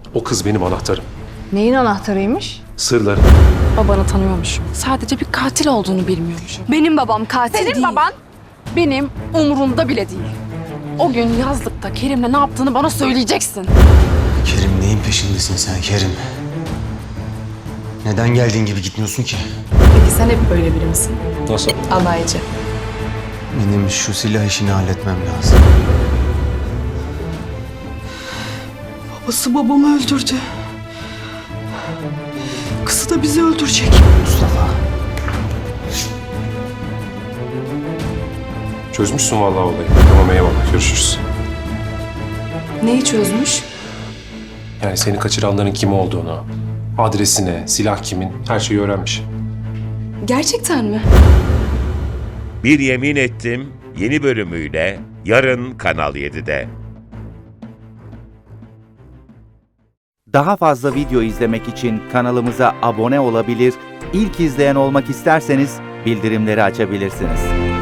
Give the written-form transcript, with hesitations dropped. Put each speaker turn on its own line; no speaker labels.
O kız benim anahtarım.
Neyin anahtarıymış?
Sırları.
Babanı tanıyormuşum. Sadece bir katil olduğunu bilmiyormuşum. Benim babam katil değil. Senin baban benim umurumda bile değil. O gün yazlıkta Kerim'le ne yaptığını bana söyleyeceksin.
Kerim, neyin peşindesin sen Kerim? Neden geldiğin gibi gitmiyorsun ki?
Peki sen hep böyle biri misin?
Nasıl?
Alaycı.
Benim şu silah işini halletmem lazım.
Babası babamı öldürdü. Kızı da bizi öldürecek.
Mustafa.
Çözmüşsün vallahi olayı. Tamam eyvallah. Görüşürüz.
Neyi çözmüş?
Yani seni kaçıranların kim olduğunu, adresine, silah kimin, her şeyi öğrenmiş.
Gerçekten mi?
Bir Yemin Ettim yeni bölümüyle yarın Kanal 7'de.
Daha fazla video izlemek için kanalımıza abone olabilir, ilk izleyen olmak isterseniz bildirimleri açabilirsiniz.